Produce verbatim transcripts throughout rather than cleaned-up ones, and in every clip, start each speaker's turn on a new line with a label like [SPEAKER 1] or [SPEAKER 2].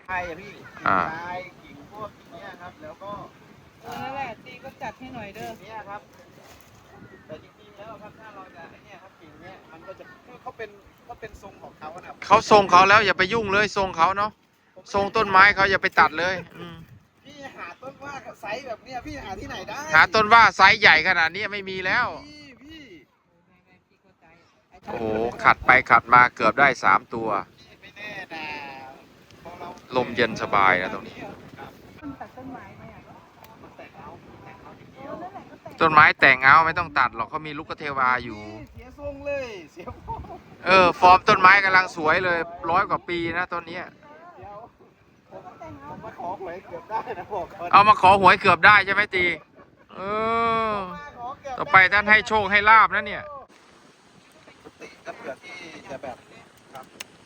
[SPEAKER 1] ชายอะพี่กิ่งชายกิ่งพวกอย่างเงี้ยครับแล้วก็
[SPEAKER 2] เออนั่นแหละตีก็จัดให้หน่อยเด้อ
[SPEAKER 1] กิ่งเนี้ยครับแต่จริงๆแล้วครับถ้าเราจะไอ้เนี่ยครับกิ่งเนี้ยมันก็จะเขาเป็นเขาเป็นทรงของเขานะ
[SPEAKER 3] เขาทรงเขาแล้วอย่าไปยุ่งเลยทรงเขาเนาะทรงต้นไม้เขาอย่าไปตัดเลยอืม
[SPEAKER 1] พี่หาต้นว่าไซส์แบบเนี้ยพี่หาที่ไหนได้
[SPEAKER 3] หาต้นว่าไซส์ใหญ่ขนาดนี้ไม่มีแล้ว
[SPEAKER 1] พี่พี่
[SPEAKER 3] โอ้โหขัดไปขัดมาเกือบได้สามตัว
[SPEAKER 1] พี่ไม่แน่นะพอเรา
[SPEAKER 3] ลมเย็นสบายนะตรงนี้
[SPEAKER 2] มันตัดต้นไม้ไหมอ่ะ
[SPEAKER 1] แต่งเอาแต่งเอาทีเดี
[SPEAKER 2] เอ
[SPEAKER 1] ยว
[SPEAKER 2] อนั่นแหละก็แต่ง
[SPEAKER 3] ต้นไม้แต่งเอาไม่ต้องตัดหรอกเขามีลูกเทวาอยู่
[SPEAKER 1] เสียทรงเลยเสียฟอร์ม
[SPEAKER 3] เออฟอร์มต้นไม้กำลังสวยเลยร้อยกว่าปีนะต้นเนี้ย
[SPEAKER 1] เดี๋ยวผมผมมาขอหวยเกือบได้นะบอกก่อน
[SPEAKER 3] เอามาขอหวยเกือบได้ใช่ไหมตีเออ
[SPEAKER 1] มาขอเกืบ
[SPEAKER 3] ต่อไปท่านให้โชคให้ลาบนะเนี่ย
[SPEAKER 1] ติก็เผื่อที่จะแบบครับ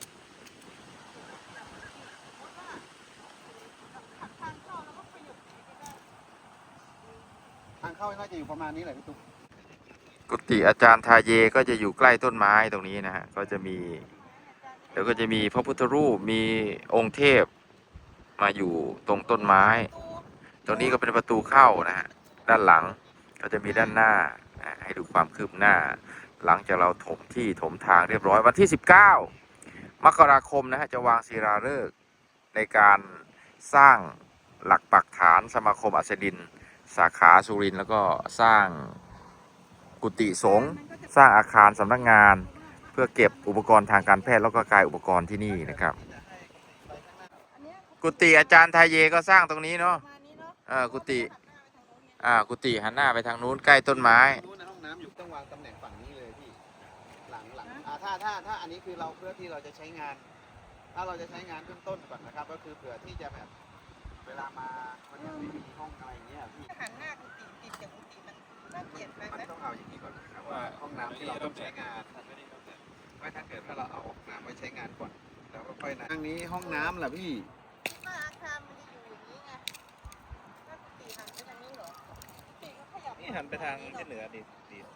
[SPEAKER 1] ทางเข้าน่าจะอยู่ประมาณนี้แหละพี่ตุ๊ก
[SPEAKER 3] กุฏิอาจารย์ทาเยก็จะอยู่ใกล้ต้นไม้ตรงนี้นะฮะก็จะมีเดี๋ยวก็จะมีพระพุทธรูปมีองค์เทพมาอยู่ตรงต้นไม้ ตรงนี้ก็เป็นประตูเข้านะฮะด้านหลังก็จะมีด้านหน้านะให้ดูความคืบหน้า หลังจากเราถมที่ถมทางเรียบร้อยวันที่สิบเก้ามกราคมนะฮะจะวางศิลาฤกษ์ในการสร้างหลักปักฐานสมาคมอัสดินสาขาสุรินทร์แล้วก็สร้างกุฏิสงฆ์สร้างอาคารสำนักงาน เพื่อเก็บอุปกรณ์ทางการแพทย์แล้วก็กายอุปกรณ์ที่นี่นะครับ กุฏิอาจารย์ไทยเยก็สร้างตรงนี้เนาะเออกุฏิอ่ากุฏิหันหน้าไปทางนู้นใกล้ต้นไม้
[SPEAKER 1] นู้นในห้องน้ำอยู่ต้องวางตำแหน่งฝั่งนี้เลยพี่หลังหลังอ่าถ้าถ้าถ้าอันนี้คือเราเพื่อที่เราจะใช้งาน ถ้าเราจะใช้งานเบื้องต้นก่อนนะครับ ก็คือเผื่อที่จะแบบเวลามามันยังไม่มีห้องอะไรอย่างเงี้ยพี่
[SPEAKER 2] หันหน้ากุฏิติดกับกุฏิมันน่าเกลียดไป
[SPEAKER 1] มัน
[SPEAKER 2] ไหม
[SPEAKER 1] ต้องเอาอย่างนี้ก่อนนะครับว่าห้องน้ำที่เราต้องใช้งานไม่ถ้าเกิดถ้าเราเอาห้องน้ำไว้ใช้งานก่อนแล้วก็ค่อยนะทางนี้ห้องน้ำล่ะพี่
[SPEAKER 2] ว่าอาคารมันจะอยู่อย่างนี้ไงถ้ากุฏิหันไปทางนี้เหรอกุฏิก็ขยับ
[SPEAKER 4] นี่หันไปทางที่เหนือดีดี